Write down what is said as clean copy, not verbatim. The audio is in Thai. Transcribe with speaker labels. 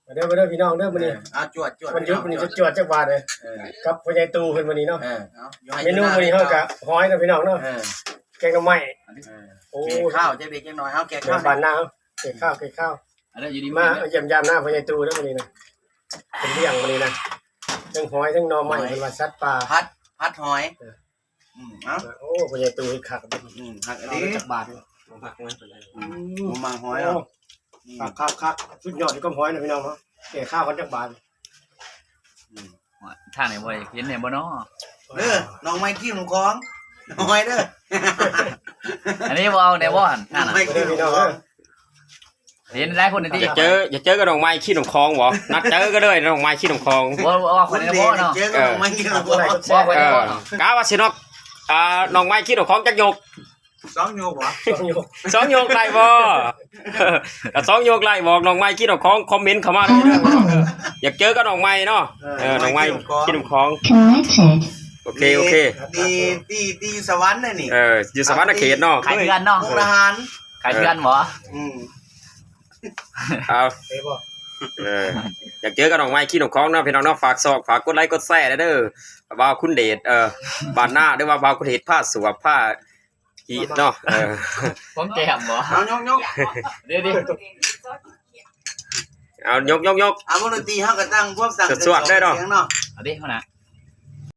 Speaker 1: เด้อมาเด้อพี่น้องเด้อมื้อนี้
Speaker 2: จวด
Speaker 1: มันยุบมื้อนี้จะจวดจักบาทเลยกับพ่อใหญ่ตู่เพิ่นมื้อนี้เนาะเมนูมื้อนี้เฮาก็หอยนะพี่น้องเนาะแกงหน่อไม้
Speaker 2: โอ้ข้าวจะเบรกจังหน่อยเฮาแกงข้าว
Speaker 1: บ้านนาเฮาแกงข้าว
Speaker 3: อันนั้นอยู่ดี
Speaker 1: มาเยี่ยมยามหน้าพ่อใหญ่ตู่เด้อมื้อนี้นะเป็นเลี้ยงมื้อนี้นะทั้งหอยทั้งหน่อไม้เพิ่นว่าสัตว์ป่า
Speaker 2: พัดหอย
Speaker 1: โอ้พ่อใหญ่ตู่เฮ็ดคัก
Speaker 2: หักอันนี้
Speaker 1: จักบาทหักมัน
Speaker 2: มาหอย
Speaker 1: ครับสุดยอดที่ก็หอยนะพี่น้องเนาะแกข้าวกันจักบาท
Speaker 3: ทางไหนบ่เห็นไหนบ่เนาะ
Speaker 2: น้องไม้ขี้ของของหอยเด้อ
Speaker 3: อันนี้บ่เอาไหนบ่หั่นทางน่ะเห็นหลายคนนี่
Speaker 4: อย่าเจอกับน้องไม้ขี้หนองคลองบ่นัดเจอก็เลยน้องไม้ขี้หนองคลอง
Speaker 3: บ่คนนี้บ่เนาะ
Speaker 2: เจอกับน้องไม้ขี้ของของ
Speaker 3: บ่คนนี้บ่เนาะ
Speaker 4: กะว่าสินอกน้องไม้ขี้หนองคลองจักยก
Speaker 2: 2 โยกบ่
Speaker 4: 2 โยกไล่บ่ถ้า2 โยกไล่บอกน้องไม้ขี้หนองคลองคอมเมนต์เข้ามาได้เด้ออยากเจอกับน้องไม้เนาะน้องไม้ขี้หนองคลองโอเค
Speaker 2: ตีสวรรค์น่ะนี่
Speaker 4: อยู่สวรรค์เขตเนาะ
Speaker 3: ขายเดือนเนาะ
Speaker 2: ทหาร
Speaker 3: ขายเดือนบ่
Speaker 4: เอาอยากเจอกับน้องไม้ขี้หนองคลองเนาะพี่น้องเนาะฝากซอกฝากกดไลค์กดแชร์เด้อบ่าวคุณเดชบ้านหน้าหรือว่าบ่าวคุณเดชผ้าสวบผ้าอีเนาะ
Speaker 3: ผมแก้มบ่
Speaker 2: เอายก
Speaker 3: เดี๋ยว
Speaker 4: เอายก
Speaker 2: เอาบ่ดนตรีเฮาก็ตั้งพวกสั่ง
Speaker 4: สวดได้เนาะ
Speaker 3: เอาดิเฮานะ